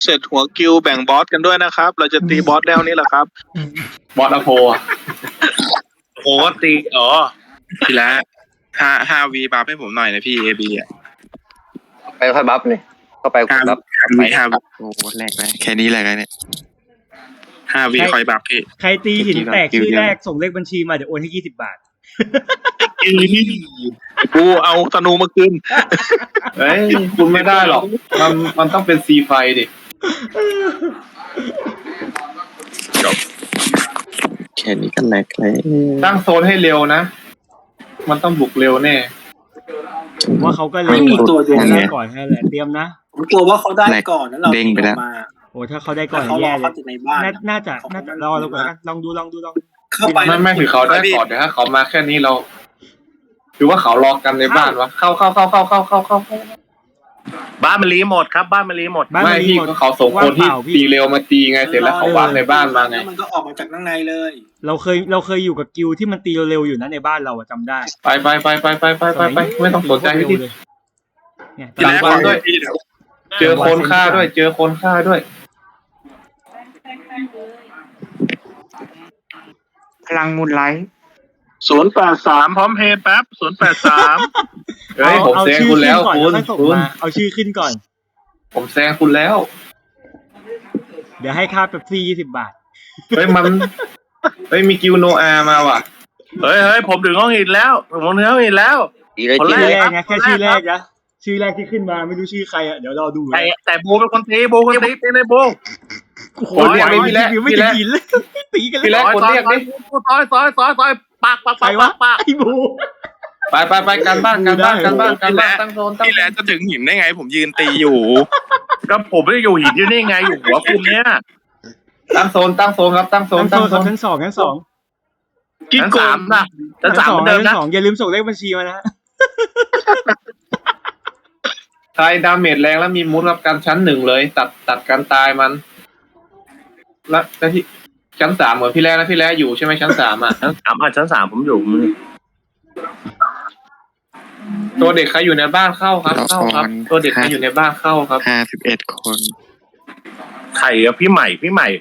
เสร็จหัวกิวแบ่งบอสกันด้วยนะครับ เราจะตีบอสแล้วนี่แหละครับบอสอโพอะโอ้ตีทีละ5 V บัฟให้ผมหน่อยนะพี่ AB อ่ะไปค่อยบัฟเลยเข้าไปค่อยบัฟ 5 V โอ้แหลกเลยแค่นี้แหลกเลยเนี่ย5 V คอยบัฟพี่ใครตีหินแตกชื่อแรกส่งเลขบัญชีมาเดี๋ยวโอนให้20 บาทกูเอาธนูมาคืนเฮ้ยคุณไม่ได้หรอกมันต้องเป็นซีไฟดิแค่นี้ก็แหลกเลยตั้งโซนให้เร็วนะ มันต้องบุกเร็วแน่ผมว่าเขาก็เลยไม่มีตัวโยนได้ก่อนแค่แหละเตรียมนะผมกลัวว่าเขาได้ก่อนแล้วเราเด้งไปแล้วมาโอ้ถ้าเขาได้ก่แต่อนเขารแย่อเลเขายจากในบ้านน่าจะรอแล้วก่อนลองดูเข้าไปไม่ถือเขาได้ก่อนเดี๋ยวถ้าเขามาแค่นี้เราหรือว่าเขารอกันในบ้านวะเข้าบ้านมันรีหมดครับบ้านมันรีหมดบ้านไม่มันพี่หมดก็เขาส่งคนที่ว่างเปล่าพี่ตีเร็วมาตีไงเสร็จแล้วเขาวางในบ้านมาไงแล้วมันก็ออกมาจากข้างในเลยเราเคยอยู่กับกิลที่มันตีเร็วๆอยู่นะในบ้านเราอะจำได้ไปไม่ต้องสนใจพี่เนี่ยหลังบ้านด้วย เจอคนฆ่าด้วยพลังมูลไลท์ 083พร้อมเพย์แป๊บ083 เฮ้ยผมแซงคุณแล้วเอาคุณชื่อขึ้นก่อนแล้วค่อยส่งมาเอาชื่อขึ้นก่อนผมแซงคุณแล้วเดี๋ยวให้ค่าเป๊ปซี่20 บาทเฮ้ยมีกิวโนอามาว่ะเฮ้ยผมถึงห้องหินแล้วผมถึงห้องหินแล้วตีเลยคนตีแรชื่เลอย แรกนะแค่ชื่อแรกนะชื่อแรกที่ขึ้นมาไม่รู้ชื่อใครอะเดี๋ยวรอดูนะแต่โบเป็นคนตีโบคนตีตีในโบโอ้โหคนเรียกดิพี่แรกไม่จะกินเลยตีกันพี่แรเลยกคนเรียกดิซอยปากใครวะไอ้บูไปกันบ้านตั้งโซนพี่แหลจะถึงหินได้ไง ผมยืนตีอยู่ก็ผมไม่ได้อยู่หินอยู่นี่ไงอยู่หัวคุณเนี่ยตั้งโซนครับตั้งโซนชั้นสองชั้น3นะชั้น 3เหมือนเดิมชั้นนะสองอย่าลืมส่งเลขบัญชีมานะใครดาเมจแรงแล้วมีมุดรับการชั้น 1เลยตัดการตายมันแล้วที่ชั้น 3เหมือนพี่แรกนะพี่แรกอยู่ใช่ไหมชั้น 3อ่ะชั้น 3ผมอยู่ตัวเด็กใครอยู่ในบ้านเข้าครับตัวเด็กใครอยู่ในบ้านเข้าครับ 51 คนไข่กับพี่ใหม่พี่ใหม่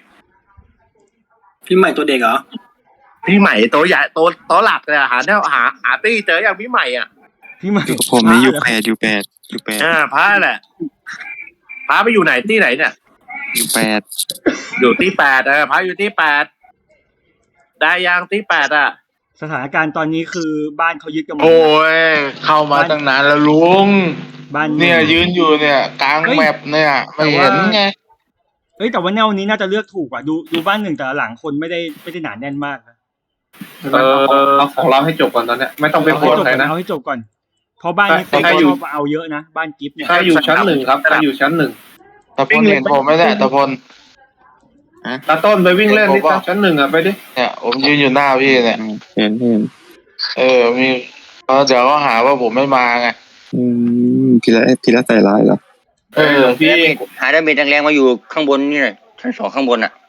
ตัวเด็กเหรอพี่ใหม่ตัวใหญ่ตัวหลักเลยหาตี้เจออย่างพี่ใหม่อ่ะพี่ใหม่ผมนี่อยู่แปดพระแหละพระไปอยู่ไหนที่ไหนเนี่ยอยู่8 อยู่ที่8พระอยู่ที่8ได้ยังที่8อ่ะสถานการณ์ตอนนี้คือบ้านเขายึดกันหมดโอ้ยเข้ามาตั้งนานแล้วลุงบ้านเนี่ยยืนอยู่เนี่ยกลางแมปเนี่ยไม่เห็นไงเอ้ยแต่ว่าแนวนี้น่าจะเลือกถูกกว่าดูบ้านหนึ่งแต่ละหลังคนไม่ได้หนาแน่นมากนะเอาของเราให้จบก่อนตอนเนี้ยไม่ต้องไปโกรธใครนะเอาให้จบก่อนเพราะบ้านนี้ใครอยู่ชอบเอาเยอะนะบ้านกิฟต์เนี่ยใครอยู่ชั้น 1ครับใครอยู่ชั้น 1 ตะพลเห็นผมไหมเนี่ยตะพลตาต้นไปวิ่งเล่นที่ชั้น 1อ่ะไปดิเนี่ยผมยืนอยู่หน้าพี่เนี่ยเห็นมีเดี๋ยวก็หาว่าผมไม่มาไงพี่ละใส่ร้ายเหรอพี่หาดาเมจแรงๆมาอยู่ข้างบนนี่หน่อยชั้น 2ข้างบนอ่ะ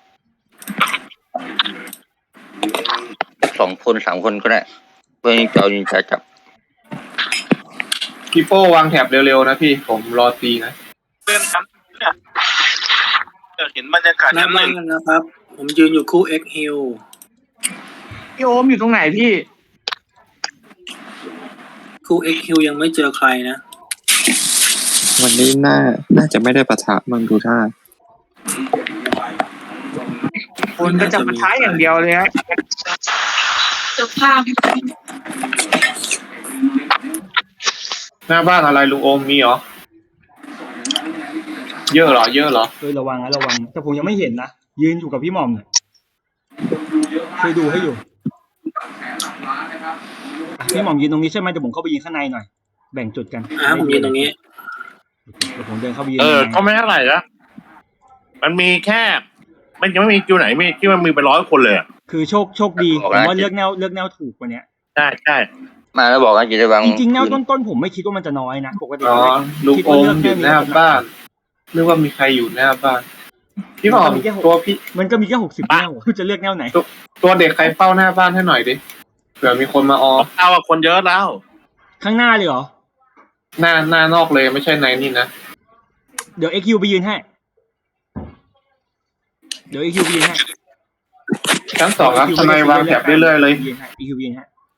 2 คน3 คนก็ได้เพื่อจะเอายิงจับพี่โป้วางแถบเร็วๆนะพี่ผมรอตีนะเพื่อนครับเนี่ยเห็นบรรยากาศหน้าชั้นบ้าน 1 นะครับ ผมยืนอยู่คู่ X Hill พี่โอมอยู่ตรงไหนพี่คู่ X Hill ยังไม่เจอใครนะวันนี้น่าจะไม่ได้ปะทะมังดูท่าคุณก็จะมาท้ายอย่างเดียวเลยครับหน้าบ้านอะไรลุงโอมมีเหรอเยอะเหรอระวังแต่ผมยังไม่เห็นนะยืนอยู่กับพี่หม่อมเนี่ยช่วยดูให้อยู่พี่หม่อมยืนตรงนี้ใช่ไหมเดี๋ยวผมเข้าไปยืนข้างในหน่อยแบ่งจุดกันผมยืนตรงนี้เดี๋ยวผมเดินเข้าไปยืนก็ไม่เท่าไหร่นะมันมีแค่มันยังไม่มีคิวไหนมีที่มันมีเป็น100 คนเลยคือโชคดีผมว่าเลือกแนวถูกกว่านี้ใช่มาแล้วบอกกันจะได้วางจริงๆแนวต้นผมไม่คิดว่ามันจะน้อยนะปกติอ๋อลุงโอมอยู่หน้าบ้านนึกว่ามีใครอยู่หน้าบ้านพี่หมอมตัวพี่มันก็มีแค่60 แนวจะเลือกแนวไหนตัวเด็กใครเฝ้าหน้าบ้านให้หน่อยดิเผื่อมีคนมาออเอาคนเยอะแล้วข้างหน้าเลยเหรอหน้านอกเลยไม่ใช่ในนี่นะเดี๋ยว XQ ไปยืนให้เดี๋ยว EQ ยิงให้ชั้น 2ครับทนายวางแถบเรื่อยๆเลยยิงให้ EQ ยิงให้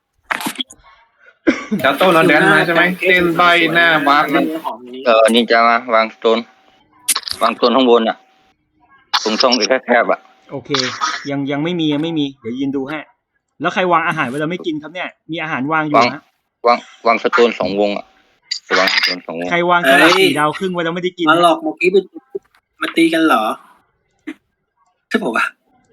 จะโต้นอนแดนมาใช่ไหมเต้นใบหน้าบาร์เล่นะนหอมนี้นินจามาวางสโตนข้างบนอ่ะตรงช่องอีกแคบๆอ่ะโอเค ยังไม่มีเดี๋ยวยืนดูให้แล้วใครวางอาหารไว้เราไม่กินครับเนี่ยมีอาหารวางอยู่นะวางสโตน2 วงอ่ะวางสโตน2 วงใครวางสลัด4 ดาวครึ่งไว้เราไม่ได้กินมาหลอกเมื่อกี้มาตีกันเหรอใช่ป่าวะ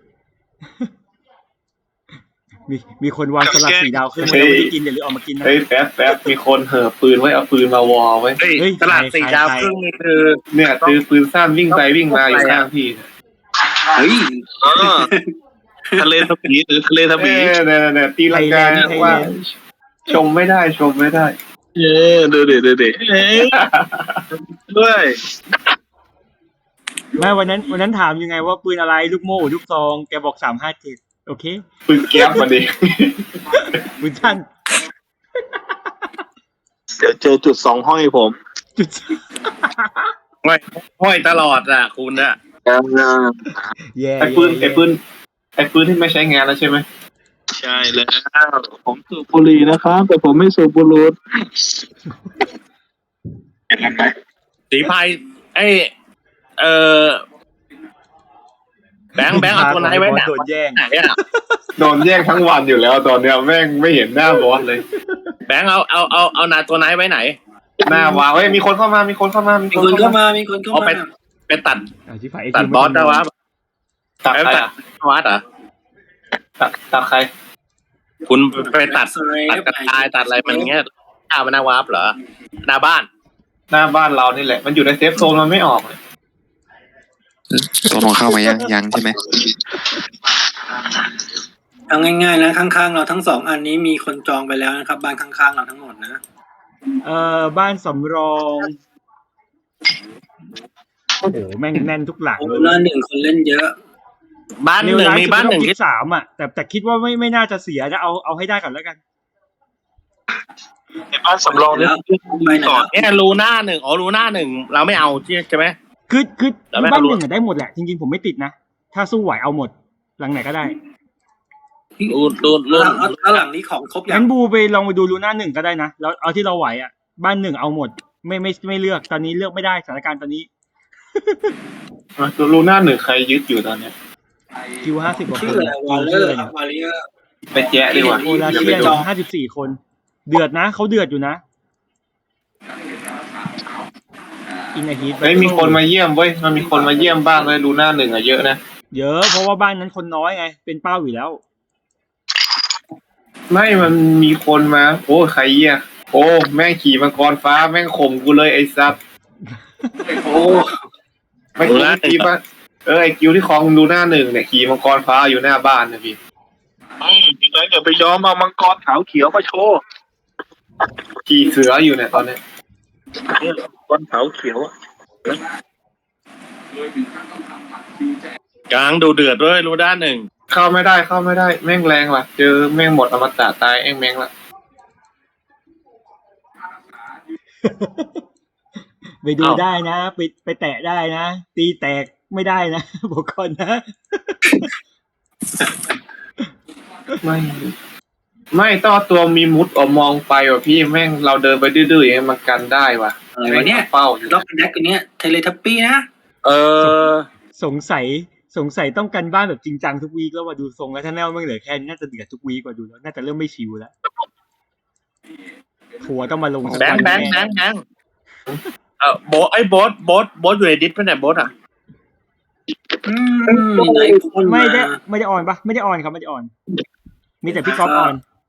มีคนวางสลัด4 ดาวครึ่งไว้เราไม่ได้กินเดี๋ยวรีบเอามากินนะเฮ้ยแป๊บมีคนเห่อปืนไว้เอาปืนมาวอไว้เฮ้ยเฮ้ยตลาดใคร 4 ดาวครึ่งนี่คือเนี่ยตือปืนสั้นวิ่งไปวิ่งมาอยู่ข้างพี่เฮ้ยทะเลทบีหรือทะเลทบีเนี่ยตีลังกาว่าชมไม่ได้ดูดิด้วยไม่วันนั้นถามยังไงว่าปืนอะไรลูกโม่ลูกซองแกบอก357โอเคปืนแก๊ปมาดิปืนสั้นเดี๋ยวเจอจุด2 ห้อยผมจุดห้อยตลอดอ่ะคุณอ่ะแย่ไอ้ปืนที่ไม่ใช้งานแล้วใช่ไหมใช่แล้วผมสูบบุหรี่นะครับแต่ผมไม่สูบบุหรี่สีพายแบงค์เอาตัวไหนไว้ไหนโดนแย่งไหนอ่ะโดนแย่งทั้งวันอยู่แล้วตอนเนี้ยแม่งไม่เห็นหน้าบอสเลยแบงค์เอานาตัวไหนไว้ไหนหน้าวางเฮ้ยมีคนเข้ามามีคนเข้ามาเอาไปตัดชิบหายตัดบอสได้วะตัดใครตัดอ่ะวัดเหรอตัดใครคุณไปตัดกระจายตัดอะไรมันเงี้ยอ้าวมันหน้าวาร์ปเหรอหน้าบ้านหน้าบ้านเรานี่แหละมันอยู่ในเซฟโซนมันไม่ออกเลยตัวลงเข้ามายังใช่ไหมเอาง่ายๆนะข้างๆเราทั้ง2 อันนี้มีคนจองไปแล้วนะครับบ้านข้างๆเราทั้งหมดนะบ้านสำรองโอ้โหแม่งแน่นทุกหลังโอ้แล้ว1 คนเล่นเยอะบ้านหนึ่งมีบ้านหนึ่งที่ 3อ่ะแต่คิดว่าไม่น่าจะเสียนะเอาให้ได้ก่อนแล้วกันในบ้านสำรองเนี่ยไปไหนก่อนเนี่ยรูหน้า 1รูหน้า 1เราไม่เอาใช่ไหมคือแล้วไม่บ้านรู้หนึ่งอะได้หมดแหละจริงๆผมไม่ติดนะถ้าสู้ไหวเอาหมดหลังไหนก็ได้รูแล้วหลังนี้ของครบยังั้งนบูไปลองไปดูลูน่า1ก็ได้นะแล้วเอาที่เราไหวอ่ะบ้าน1เอาหมดไม่เลือกตอนนี้เลือกไม่ได้สถานการณ์ตอนนี้ลูน่า1ใครยึดอยู่ตอนเนี้ยคิว50กว่าคชื่อน อะไรวอลเลอชื่ร์อะไรเนี่ยวอลเลอร์ไปแจ๊ะดีกว่าโอลาเชียน54 คนเดือดนะเขาเดือดอยู่นะอินฮีทเฮ้ยมีคนมาเยี่ยมเว้ยมันมีคนมาเยี่ยมบ้างเลยลูน่า1อ่ะเยอะนะเยอะเพราะว่าบ้านนั้นคนน้อยไงเป็นเป้าอยู่แล้วไม่มันมีคนมาโอ้ใครเยี่ยโอ้แม่งขี่มังกรฟ้าแม่งข่มกูเลยไอ้ซับโอ้ไม่ขี่ป่ะไอ้กิวที่คลองลูน่า1เนี่ยขี่มังกรฟ้าอยู่หน้าบ้านนะพี่พี่แบงค์อย่าไปยอมเอามังกรขาวเขียวมาโชว์ขี่เสืออยู่เนี่ยตอนเนี้ยมังกรขาวเขียวกลางดูเดือดด้วยรูด้าน 1 เข้าไม่ได้แม่งแรงว่ะเจอแม่งหมดอมตะตายแม่งละไปดูได้นะไปแตะได้นะตีแตกไม่ได้นะ บอกก่อนนะไม่ต้องเอาตัวมีมุดออกมองไปว่ะพี่แม่งเราเดินไปดื้อๆอย่างนี้มันกันได้ว่ะอะไรวะเนี่ยเป้าอยู่ล็อกแดกกันเนี้ยเทเลทัปปี้นะสงสัยต้องกันบ้านแบบจริงจังทุกวีคแล้วว่าดูทรงแล้วถ้าแนวไม่เหลือแค่นี้น่าจะเดือดทุกวีคกว่าดูแล้วน่าจะเริ่มไม่ชิวแล้วทัวร์ต้องมาลงแบงค์โบ๊ทอยู่ในดิสเป็นไหนโบ๊ทอ่ะไหนคนไม่ได้ออนปะไม่ได้ออนครับไม่ได้ออนมีแต่พี่ก๊อฟออน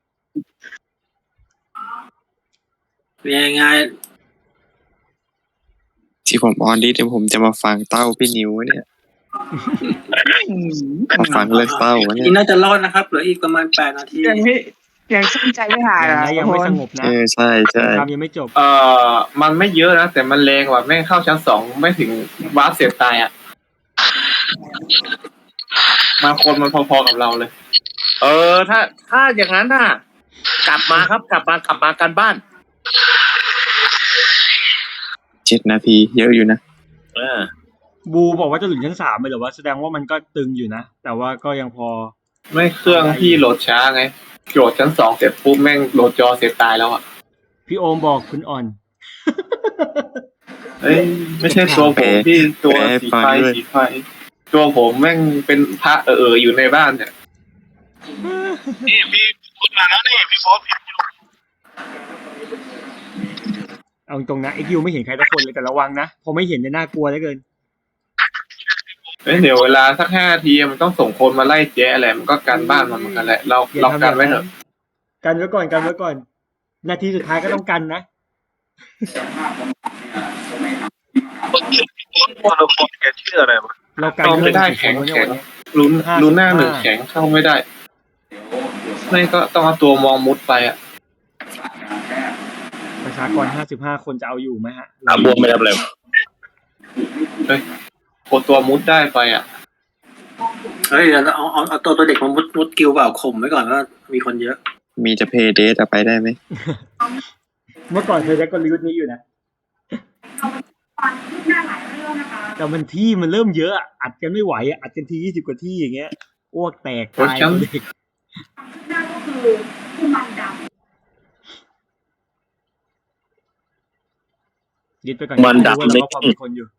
ยังไงที่ผมออนดิเดี๋ยวผมจะมาฟังเต้าพี่นิวเนี่ยมาฟังเรื่องเต้าเนี่ยนี่น่าจะรอดนะครับเหลืออีกประมาณ8 นาทียังสนใจไม่หายยังไม่สงบนะใช่ทำยังไม่จบมันไม่เยอะนะแต่มันแรงว่ะแม่งเข้าชั้น2ไม่ถึงวาร์ปเสียตายอ่ะมาคนมันพอๆกับเราเลยถ้าอย่างนั้นน่ะกลับมากันบ้าน 7 นาทีเยอะอยู่นะบูบอกว่าจะหลุดชั้น3ไปเหรอวะแสดงว่ามันก็ตึงอยู่นะ แต่ว่าก็ยังพอไม่เครื่องพี่โหลดช้าไงโหลดชั้น2เสร็จปุ๊บแม่งโหลดจอเสร็จตายแล้วอ่ะพี่โอมบอกคุณอ่อนเอ้ยไม่ใช่ตัวผมพี่ตัวสีไฟตัวผมแม่งเป็นพระอยู่ในบ้านเนี่ยนี่พี่พูดมาแล้วนี่พี่โฟสเอาตรงนะไอคิวไม่เห็นใครสักคนเลยแต่ระวังนะพอไม่เห็นเนี่ยน่ากลัวเหลือเกินเดี๋ยวเวลาสัก5 นาทีมันต้องส่งคนมาไล่แจ๊อะไรมันก็กันบ้านมันเหมือนกันแหละเรากันไว้เถอะกันไว้ก่อนกันไว้ก่อน นาทีสุดท้ายก็ต้องกันนะคนละคนแกชื่ออะไรวะเรากันเข้าไม่ได้เรื่องแข็งของคนลุ้นหน้า1แข็งเข้าไม่ได้ไม่ก็ต้องเอาตัวมองมุดไปอ่ะประชากร55 คนจะเอาอยู่ไหมฮะบวมไม่ได้เลยโคตัวมุดได้ไปอ่ะเฮ้ยเราเอาตัวเด็กมามุดกิวเปล่าข่มไว้ก่อนว่ามีคนเยอะมีจะเพย์เดทไปได้ไหมเมื่อก่อนเคยได้กลยุทธ์นี้อยู่นะแต่มันที่มันเริ่มเยอะอะอัดกันไม่ไหวอะอัดกันที20 กว่าที่อย่างเงี้ยอ้วกแตกตายเด็กยึดไปก่อนมันดับว่าเราก็พอมีคนอยู่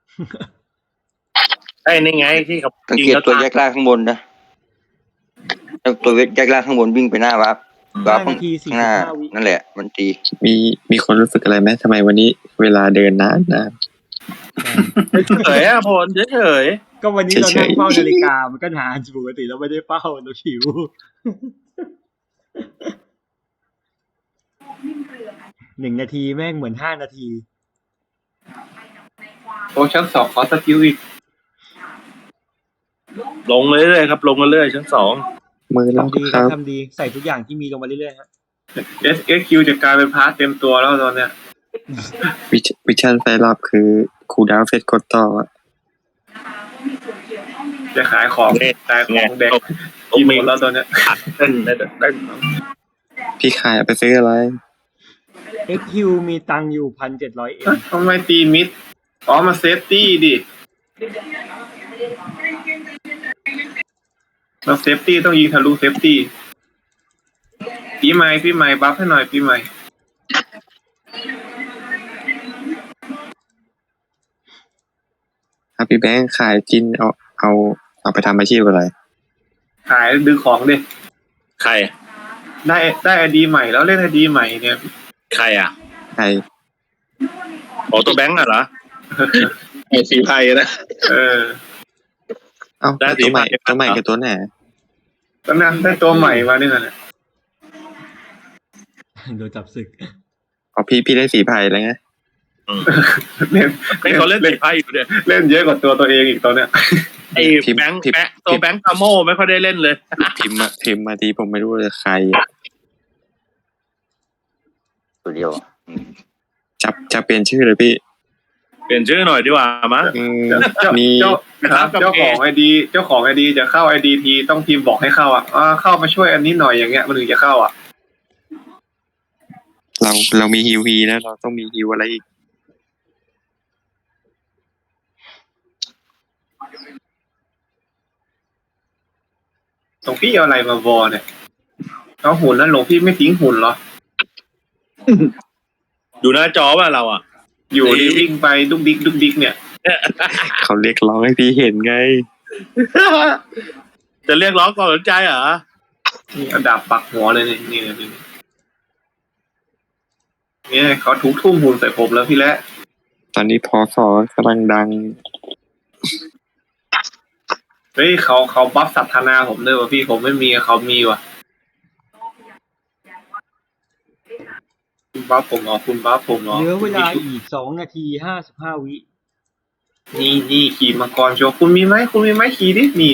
ไอ้นี่ไงที่เขาสังเกตตัวแยกล่างข้างบนนะตัวแยกล่างข้างบนวิ่งไปหน้าวับ 5 นาทีข้างหน้า 45 วินั่นแหละมันตีมีคนรู้สึกอะไรไหมทำไมวันนี้เวลาเดินนานเฉยอ่ะพลเฉยก็วันนี้เรานั่งเฝ้านาฬิกามันก็นานปกติเราไม่ได้เฝ้าเราหิว 1 นาทีแม่งเหมือน5 นาทีโอ้ชั้น2ขอสกิลอีกลงเรื่อยๆครับลงเรื่อยๆชั้น 2 มือเราทำดีครับทำดีใส่ทุกอย่างที่มีลงมาเรื่อยๆฮะ SQ จะกลายเป็นพาร์ทเต็มตัวแล้วตอนเนี้ยวิชั่นไฟลับคือคูลดาวน์เฟสกดต่ออะจะขายของขายของเด็กกี่โมงแล้วตอนเนี้ยเต้นได้พี่ขายเอาไปซื้ออะไร XQ มีตังค์อยู่ 1,700 เอ็มทำไมตีมิดมาเซฟตี้ดิเราเซฟตี้ต้องยิงทะลุเซฟตี้พี่ใหม่บัฟให้หน่อยพี่ใหม่พี่แบงค์ขายจินเอาไปทำอาชีพอะไรขายดึงของดิใครได้ไอดีใหม่แล้วเล่นไอดีใหม่เนี่ยใครอ่ะใครตัวแบงค์อ่ะเหรอไอ้สีไพ่นะเอ้าได้ตัวใหม่สีฟ้าตัวใหม่กับตัวไหนตอนนั้นได้ตัวใหม่มาเนี่ยนะโดนจับศึกอ๋อพี่ได้สีไผ่แล้วไงเล่นไม่เขาเล่นสีไพ่อยู่เนี่ยเล่นเยอะกว่าตัวเองอีกตอนเนี้ยไอ้แบงค์ตัวแบงค์ตาโม่ไม่ค่อยได้เล่นเลยพิมพ์มาทีผมไม่รู้ว่าใครอะตัวเดียวจะเปลี่ยนชื่อเลยพี่เปลี่ยนชื่อหน่อยดีกว่ามั้งมีเจ้าของไอดีจะเข้าไอดีทีต้องพิมพ์บอกให้เข้าเข้ามาช่วยอันนี้หน่อยอย่างเงี้ยมันถึงจะเข้าเรามีฮิวฮีนะเราต้องมีฮิวอะไรอีกหลวงพี่เอาอะไรมาวอเนี่ยเอาหุ่นแล้วหลวงพี่ไม่ทิ้งหุ่นเหรอดูหน้าจอป่ะเราอ่ะอยู่ดีวิ่งไปดุกดิกเนี่ยเขาเรียกร้องให้พี่เห็นไงจะเรียกร้องความสนใจเหรอนี่เอาดาบปักหัวเลยนี่เขาทุบทุ่มหุ่นใส่ผมแล้วพี่แล้วตอนนี้พอสอกำลังดังเฮ้ยเขาบัฟสัทธนาผมด้วยว่ะพี่ผมไม่มีเขามีว่ะคุณบัฟผมเหรอเหลือเวลาอีก2 นาที 55 วินี่ขี่มังกรโชว์คุณมีไหมขี่ดินี่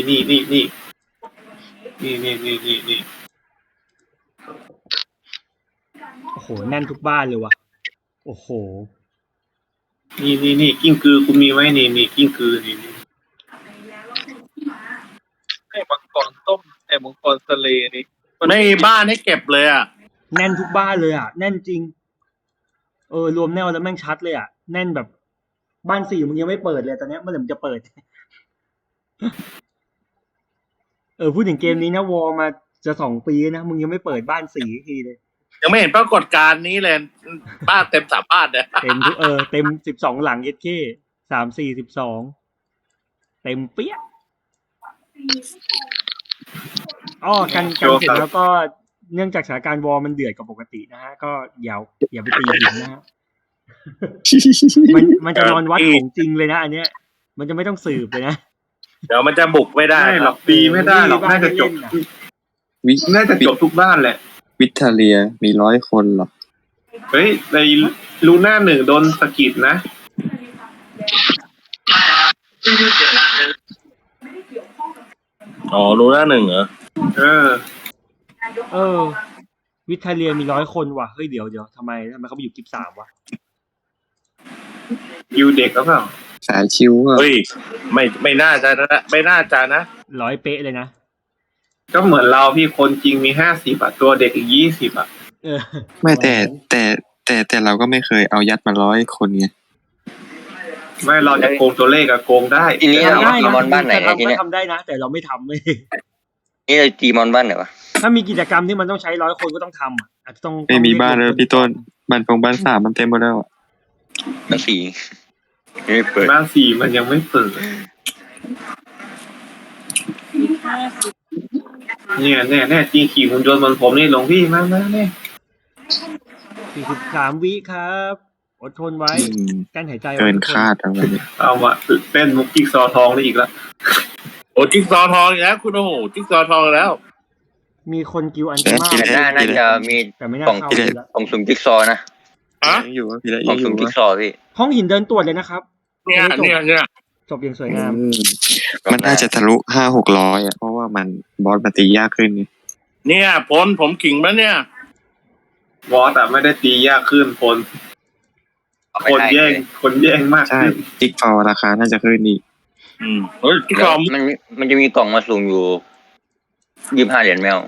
โอ้โหแน่นทุกบ้านเลยว่ะโอ้โหนี่กิ้งกือคุณมีไหมนี่กิ้งกือนี่ไอ้มังกรต้มไอ้มังกรทะเลนี่ในบ้านให้เก็บเลยอ่ะแน่นทุกบ้านเลยอ่ะแน่นจริงรวมแนวแล้วแม่งชัดเลยอ่ะแน่นแบบบ้าน4มึงยังไม่เปิดเลยตอนเนี้ยเมื่อไหร่มึงจะเปิด พูดถึงเกมนี้นะวอมาจะ2 ปีนะมึงยังไม่เปิดบ้าน4ทีเลยยังไม่เห็นปรากฏการณ์นี้เลยบ้านเต็ม3บ้านเนี่ยเต็มทุกเต็ม12หลังเอสเค3 4 12เต็มเปี้ยกันเสร็จแล้วก็เนื่องจากสถานการณ์วอมันเดือดกว่าปกตินะฮะก็อย่าไปตีหินนะฮะ มันจะนอนวัดของจริงเลยนะอันเนี้ย มันจะไม่ต้องสืบเลยนะเดี๋ยวมันจะบุกไม่ได้ไม่หรอกตีไม่ได้หรอกน่าจะจบน่าจะจบทุกบ้านแหละวิทเลียมี100 คนหรอเฮ้ยในลูน่า1โดนสะกิดนะอ๋อรู้หน้า1เหรอวิทเลียมี100 คนว่ะเฮ้ยเดี๋ยวทำไมเขาไปอยู่กิฟ3วะยูเด็กก็เปล่าสายชิวก็เฮ้ยไม่น่าจะนะไม่น่าจะนะ 100 เป๊ะเลยนะก็เหมือนเราพี่คนจริงมี50ตัวเด็กอีก20 ไม่แต่เราก็ไม่เคยเอายัดมา100 คนไงไม่เราจะโกงตัวเลขอะโกงได้ทีนี้เราตีมอนบ้านไหนทีนี้ทำได้นะแต่เราไม่ทำเลยนี่เราตีมอนบ้านไหนวะถ้ามีกิจกรรมที่มันต้องใช้100 คนก็ต้องทำอาจจะต้องไม่มีบ้านเลยพี่ต้นบ้าน3มันเต็มหมดแล้วบ้าน4ไม่เปิดบ้าน4มันยังไม่เปิดเนี่ยแน่จริงขี่หุ่นยนต์บนผมนี่หลวงพี่มาเนี่ย 43 วิครับอดทนไว้กั้นหายใจไว้เกินคาดอะไรเนี่ยเอามาเต้นมุกจิ๊กซอว์ทองได้อีกแล้วโอ้จิ๊กซอว์ทองอีกแล้วคุณโอ้โหจิ๊กซอว์ทองแล้วมีคนกิวอันตรายแต่น่าจะมีแต่ไม่น่ากล่องเข้าเลยละกล่องสุ่มจิ๊กซอว์นะยังอยู่พี่ละกล่ยัองงอสุ่มยู่จิ๊กซอว์พี่ห้องหินเดินตรวจเลยนะครับเนี่ยจบอย่างสวยงามมันน่าจะทะลุ500-600อ่ะเพราะว่ามันบอสมาตียากขึ้นไงเนี่ยผมขิงแล้วเนี่ยวอสอะไม่ได้ตียากขึ้นคนแย่งมากใช่ขึ้นจิ๊กซอว์ราคาน่าจะขึ้นอีกเฮ้ยจิ๊กซอว์มันจะมีกล่องมาสุ่มอยู่25 เหรียญแมว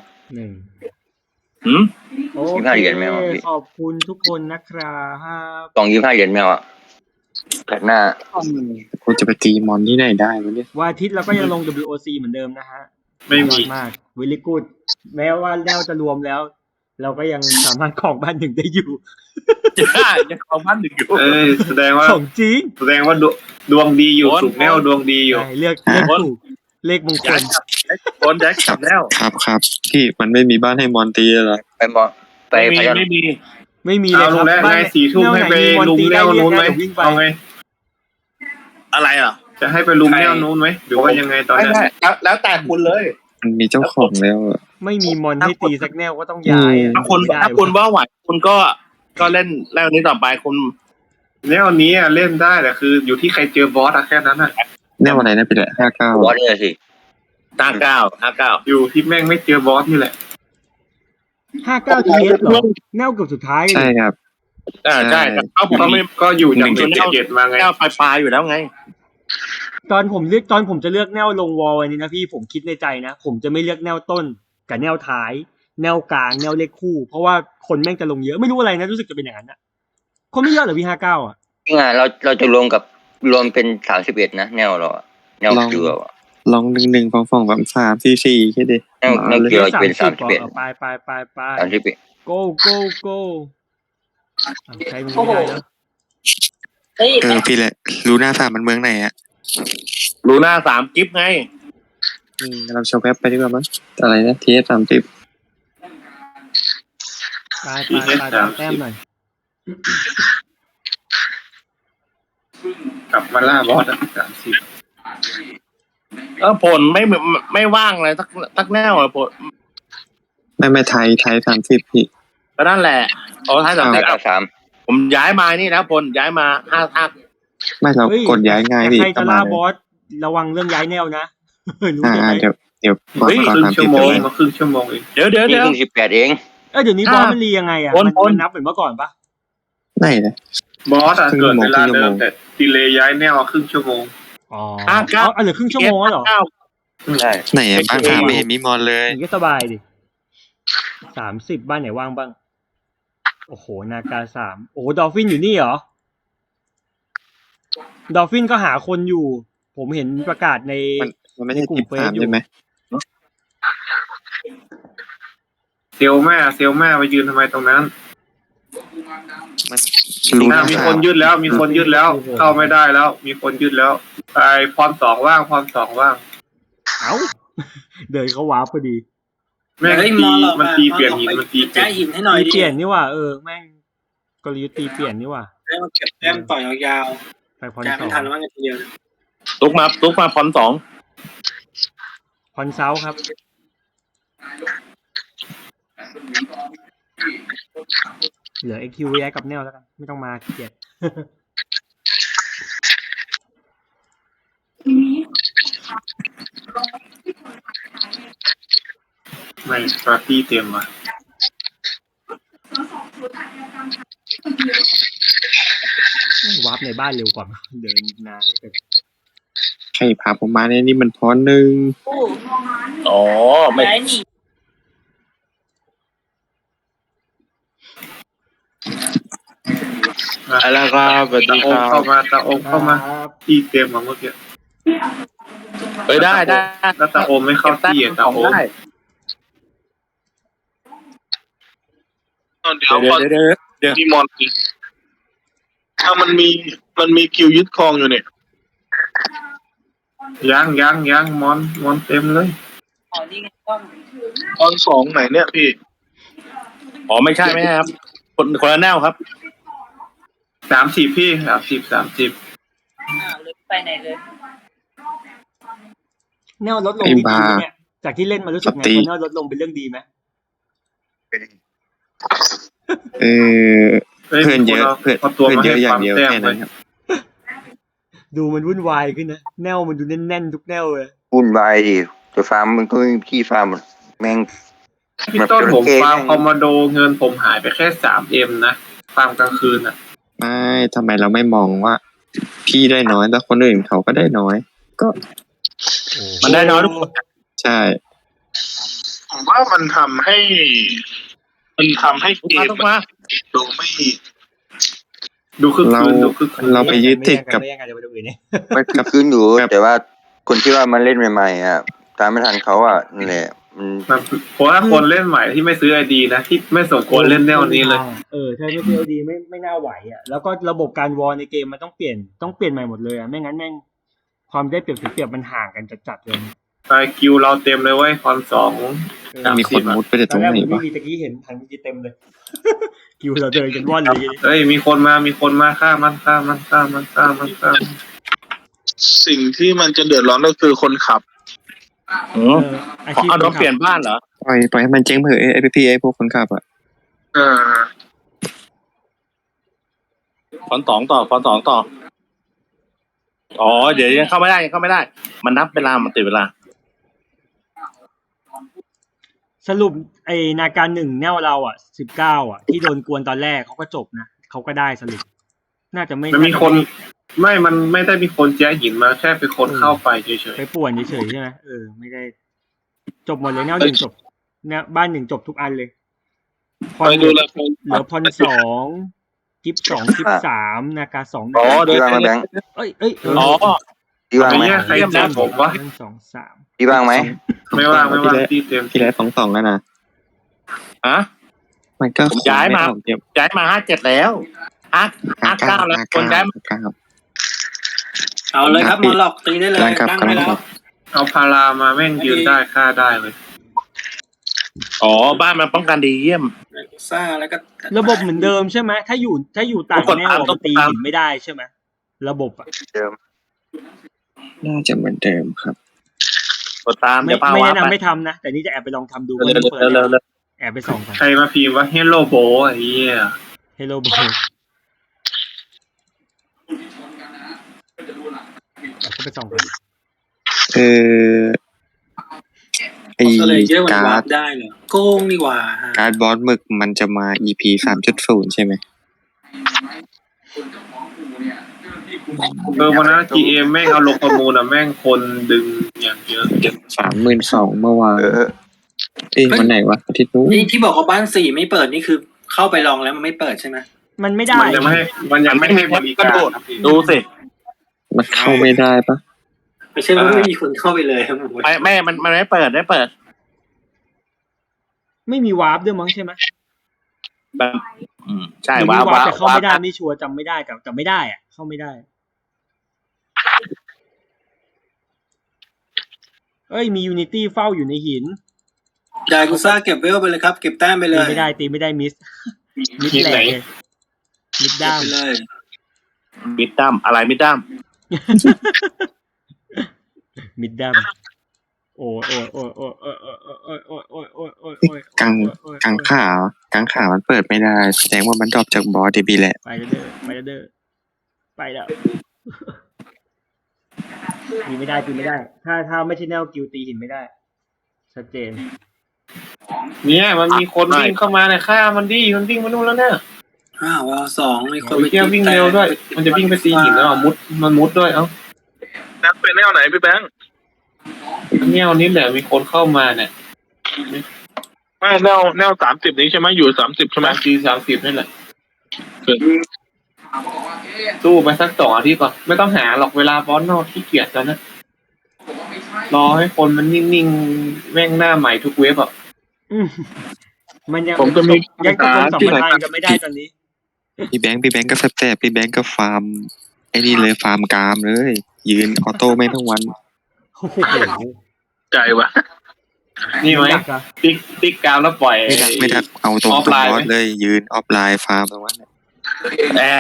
โอ 25 เหรียญแมวเคพี่ขอบคุณทุกคนนะครับกล่อง25 เหรียญแมวอ่ะแผ่นหน้ากูจะไปตีมอนที่ไหนได้วะเนี่ยวันอาทิตย์เราก็ยังลง WOC เหมือนเดิมนะฮะไม่มียอดมากวิลลี่กูดแม้ว่าแล้วจะรวมแล้ว เราก็ยังสามารถของบ้านหนึ่งได้อยู่ยังเอาบ้าน1อยู่แสดงว่าของจริงแสดงว่าดวงดีอยู่สุกแนวดวงดีอยู่ใช่เลือกถูกเลขมงคลคนแจ็คจับแล้วครับที่มันไม่มีบ้านให้มอนตีเหรอไปมองไปพยอนไม่มีเลยเอาคลุรับงแล้วบ้านนาย4 ทุ่มให้ไปลุมแนวนู้นไหมวิ่งไปเอาไงอะไรอ่ะจะให้ไปลุมแนวนู้นไหมหรือว่ายังไงตอนนี้แล้วแต่คุณเลยมันมีเจ้าของแล้วอะไม่มีมอนให้ตีสักแนวก็ต้องย้ายอะถ้าคุณไม่ได้ถ้าคุณว่าไหวคุณก็เล่นแล้วนี้ต่อไปคุณแนวนี้เล่นได้แต่คืออยู่ที่ใครเจอบอสแค่นั้นอะแน่วันไหนนะพี่ละบอสเนี่ยสิ 59 อยู่ที่แม่งไม่เจอบอสนี่แหละ 59 TS เหรอแนวเกือบสุดท้าย 59ใช่ครับใช่เอาผมไม่ก็อยู่จาก17มาไงแก้วปลายอยู่แล้วไงตอนผมจะเลือกแนวลงวอลอันนี้นะพี่ผมคิดในใจนะผมจะไม่เลือกแนวต้นกับแนวท้าย แนวกลางแนวเลขคู่ เพราะว่าคนแม่งจะลงเยอะไม่รู้อะไรนะรู้สึกจะเป็นอย่างนั้นอะคนไม่เยอะเหรอพี่59อ่ะจริงอ่ะเราจะรวมเป็น31นะแนวเราอะแนวเกลืออะลอง1 2 2 3 4 4แค่ดิแนวเกลือจะเป็น 30 31 ไป 31 go go go ใช้มันไม่ได้แล้วพี่ละรู้หน้า3มันเมืองไหนอ่ะรูหน้า3กิฟต์ไงเราโชว์แป๊บไปดีกว่ามั้ยอะไรนะ TS 30 ไปแต้มหน่อยกลับมาล่าบอส30 ผลไม่ว่างเลยสักแนวเลยผลไม่ไทย30พี่ก็นั่นแหละเอาท้าย 93 ผมย้ายมานี่นะผลย้ายมา5 ไม่เรากดย้ายง่ายดิใครจะล่าบอสระวังเรื่องย้ายแนวนะรู้ไหมเดี๋ยวก่อนครึ่งชั่วโมงมาครึ่งชั่วโมงเองเดี๋ยวนี่เพิ่ง18เองเดี๋ยวนี้บอสมันรียังไงอ่ะมันนับเหมือนเมื่อก่อนปะไหนนะบอสเกิดเวลาเดิมแต่ดีเลย์ย้ายแนวครึ่งชั่วโมงอ๋อเหลือครึ่งชั่วโมงแล้วเหรอใช่ไหนอ่ะบ้าน3ไม่เห็นมีมอนเลยอย่างนี้สบายดิ30บ้านไหนว่างบ้างโอ้โหนากา3โอ้โหดอลฟินอยู่นี่เหรอดอลฟินก็หาคนอยู่ ผมเห็นประกาศในมันไม่ใช่ในกลุ่ทีมมฟาร์มเฟซอยู่ใช่ไหมเซลแม่ไปยืนทำไมตรงนั้นมันรู้อ่ะนะมีคนยึดแล้ว มีคนยึดแล้ว เข้าไม่ได้แล้ว มีคนยึดแล้วไอ้พรสองว่างพรสองว่างเอ้า เดินเขาวาร์ปพอดีแม่งเฮ้ยตีหลอกมันอะตีเปลี่ยนหลอกหินไปมันตีเปลี่แจ้ยนหินให้หน่อยตีดิเปลี่ยนนี่ว่าแม่งกลยุทธ์ตีเปลี่ยนนี่ว่าได้มาเก็บแต้มต่อยยาวไปพรๆการสไม่อง Dạ. ทันแล้วมันทีเดียวตุกมาพรสองพรเซาครับ เหลือ XQ ย้ายกับแนวแล้วกัน ไม่ต้องมาขี้เกียจไม่ปาร์ตี้เต็มว่ะวาร์ปในบ้านเร็วกว่า เดินนานเหลือเกินใครพาผมมาเนี่ยนี่มันพรหนึ่งอ๋อไม่แล้วก็สวัสตาดีโอคมรับเข้ามาตาโอมเข้ามาครับตีเต็มมาเมื่อกี้เฮ้ยได้แล้วตาโอมไม่เข้าที่อ่ะตาโอมได้เดี๋ยวพอเดี๋ยวมีมอนถ้ามันมีคิวยึดครองอยู่เนี่ยยังมอนเต็มเลยตอนสองไหนเนี่ยพี่อ๋อไม่ใช่ครับคนละแนวครับ 30พี่30 แนวลดลงนี่ดีไหมเนี่ย จากที่เล่นมารู้สึกไงพอแนวลดลงเป็นเรื่องดีไหมเออ เพื่อนเยอะเพื่อนเยอะอย่างเดียวแค่นั้นครับดูมันวุ่นวายขึ้นนะ แนวมันดูแน่นๆทุกแนวเลยวุ่นวายดิจะฟาร์มมันก็ไม่มีที่ฟาร์มแม่งพี่ต้นผมฟาร์มคอมมานโดเงินผมหายไปแค่ 3M นะฟาร์มกลางคืนอ่ะไม่ทำไมเราไม่มองว่า พี่ได้น้อยแต่คนอื่นเขาก็ได้น้อย ก็มันได้น้อยทุกคนใช่ผมว่ามันทำให้เกมทุกมาดูไม่ดูคึกเราคืนดูคึกคืนเราไปยึดติดกับไม่แย่งกันเดี๋ยวไปดูอื่นเนี่ยมันคือคืนอยู่ครับแต่ว่าคนที่ว่ามันเล่นใหม่ๆอ่ะตามไม่ทันเขาอ่ะนั่นแหละมันเพราะว่าคนเล่นใหม่ที่ไม่ซื้อไอดีนะที่ไม่สมควรเล่นแนวนี้เลยใช่ไม่เพียวดีไม่น่าไหวอ่ะ แล้วก็ระบบการวอลในเกมมันต้องเปลี่ยนใหม่หมดเลยอ่ะ ไม่งั้นแม่งความได้เปรียบเสียเปรียบมันห่างกันจัดๆเลยไอคิวเราเต็มเลยเว้ยคอนสองมีคนมุดไปแต่ตตอรนงแรกไหนผมไม่วะมีตะกี้เห็นทางดีเต็มเลย คิวเราเดินกันว่อนเลยเฮ้ยมีคนมาฆ่ามันสิ่งที่มันจะเดือดร้อนก็คือคนขับอาชีพเอาโดนเปลี่ยนบ้านเหรอปล่อยให้มันเจ๊งเถอะไอ้พี่ไอ้พวกคนขับอ่ะพรสองต่ออ๋อเดี๋ยวยังเข้าไม่ได้ มันนับเวลามันติดเวลาสรุปไอ้นาการหนึ่งแนวเราอ่ะ19อ่ะ ที่โดนกวนตอนแรกเขาก็จบนะเขาก็ได้สรุปน่าจะไม่มันมีคนมันไม่ได้มีคนแจ้หินมาแค่เป็นคนเข้าไปเฉยไปป่วนเฉยๆใช่ไหมไม่ได้ จบหมดเลยแนวหนึ่งจบแนวบ้านหนึ่งจบทุกอันเลยพรไปดูแลเหลือพรสองกิฟสองกิฟสามนาการสองอ๋อที่ว่างไหมแบงค์เอ้ยอ๋อที่ว่างไหมใครแจ้ผมวะ 1 2 3 ที่ว่างไหมไม่ว่างที่เต็มพี่แล้ว2-2แล้วนะฮะมันก็ผมย้ายมาเก็บย้ายมา57แล้ว59แล้วคนย้ายมาเอาเลยครับมาหลอกตีได้เลยครับตั้งไว้แล้วเอาพารามาแม่งยืนได้ฆ่าได้เลยอ๋อบ้านมันป้องกันดีเยี่ยมซ่าแล้วก็ระบบเหมือนเดิมใช่ไหมถ้าอยู่ต่างแนวมันตีหินไม่ได้ใช่ไหมระบบอ่ะเดิมน่าจะเหมือนเดิมครับกดตามไม่เดี๋ยวพาแนะวานำไปไม่ทำนะแต่นี่จะแอบไปลองทำดูเร็วเปิดเร็วแอบไปส่องกันใครมาพิมพ์ว่าเฮลโลโบไอ้เหี้ย Hello Bo ก็ไปส่องกันไอ้ก็เลยเยอะกว่าการ์วาดร์ปได้เหรอโกงดีกว่าฮะการ์ดบอสหมึกมันจะมา EP 3.0 ใช่ไหมวันนั้น GM แม่งเอาลงประมูลอ่ะแม่งคนดึงอย่างเยอะ 32,000เมื่อวานวันไหนวะอาทิตย์นู้นนี่ที่บอกว่าบ้านสี่ไม่เปิดนี่คือเข้าไปลองแล้วมันไม่เปิดใช่ไหมมันไม่ได้มันยังไม่ให้บริการดูสิมันเข้าไม่ได้ปะไม่ใช่ว่าไม่มีคนเข้าไปเลยครับผมไม่มันไม่เปิดได้เปิดไม่มีวาร์ปด้วยมั้งใช่ไหมใช่หรือว้ามีววาร์ปว้าวแต่เข้าไม่ได้ไม่ชัวร์จำไม่ได้แต่ไม่ได้อ่ะเข้าไม่ได้เอ้ยมียูนิตี้เฝ้าอยู่ในหินยายกุซ่าเก็บเวลไปเลยครับเก็บแต้มไปเลตียไม่ได้มิสมิสแหลกเลยมิดเก็บด้ามไปเลยมิดดัมอะไรมิดดัมมิดด้ามโอ้ยกังขามันเปิดไม่ได้แสดงว่ามันดรอปจากบอสดีแหละไปแล้วแล้วตีไม่ได้ถ้าไม่ใช่แนวกิลตีหินไม่ได้ชัดเจนเนี่ยมันมีคนวิ่งเข้ามาเนี่ยฆ่ามันดิมันวิ่งมานู่นแล้วเนี่ยวอลสองมีคนโอ้ยเที่ยววิ่งเร็วด้วย มันจะวิ่งไปตีหินแล้วอ่ะมันมุดด้วยเอ้านับเป็นแนวไหนพี่แบงค์เนี่ยนี่แหละมีคนเข้ามาเนี่ยไม่แนว30นี้ใช่ไหมอยู่30ใช่ไหม 30นี่แหละสู้ไปสัก2 อาทิตย์ก่อนไม่ต้องหาหรอกเวลาบอสนอกขี้เกียจแล้วนะรอให้คนมันนิ่งๆแม่งหน้าใหม่ทุกเว็บอ่ะมันยังผมจะมียังตกลงที่ 2,000 ไหนทางกันไม่ได้ตอนนี้พี่แบงค์ก็แสบพี่แบงค์ก็ฟาร์มไอ้นี่เลยฟาร์มกามเลยยืนออโต้ไม่ทั้งวันโอ้โหใจวะนี่ไหมอยากอะติ๊กกาวแล้วปล่อยไม่ดักเอาตรงออฟไลน์บอไหมสเลยยืนออฟไลน์ฟาร์มตรงนั้นน่ะแอะ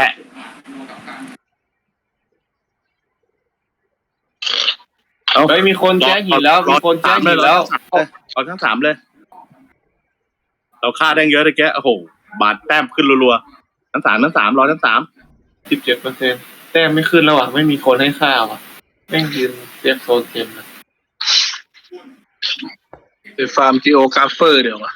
เฮ้ยมีคนแจ้หินแล้วมีคนแจ้หินแล้วเอาทั้ง 3เลย เราฆ่าได้เยอะเลยแกโอ้โหบาดแต้มขึ้นรัวๆทั้ง 3รอทั้ง 17%แต้มไม่ขึ้นแล้วอ่ะไม่มีคนให้ข้าวอ่ะแม่งยืนเซฟโซนเต็มนะไปฟาร์มจีโอกราฟเฟอร์เดี๋ยววะ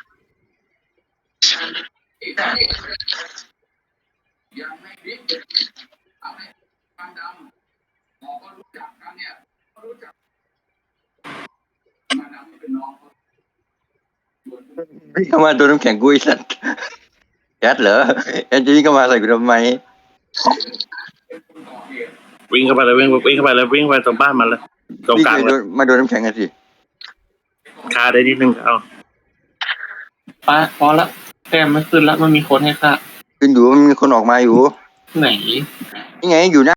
วิ่งเข้ามาโดนน้ำแข็งกุยสัตว์แอดเหรอแอดจะวิ่งเข้ามาใส่กูทำไม 3วิ่งเข้าไปเลยวิ่งเข้าไปเลยวิ่งไปตรงบ้านมันเลยตรงวิ่งกลางไปเลยมาโดนน้ำแข็งกันสิฆ่าได้นิดนึงเอาป้าพอละแต้มไม่ขึ้นแล้วมันมีคนให้ค่าขึ้นอยู่มันมีคนออกมาอยู่ไหนนี่ไงอยู่หน้า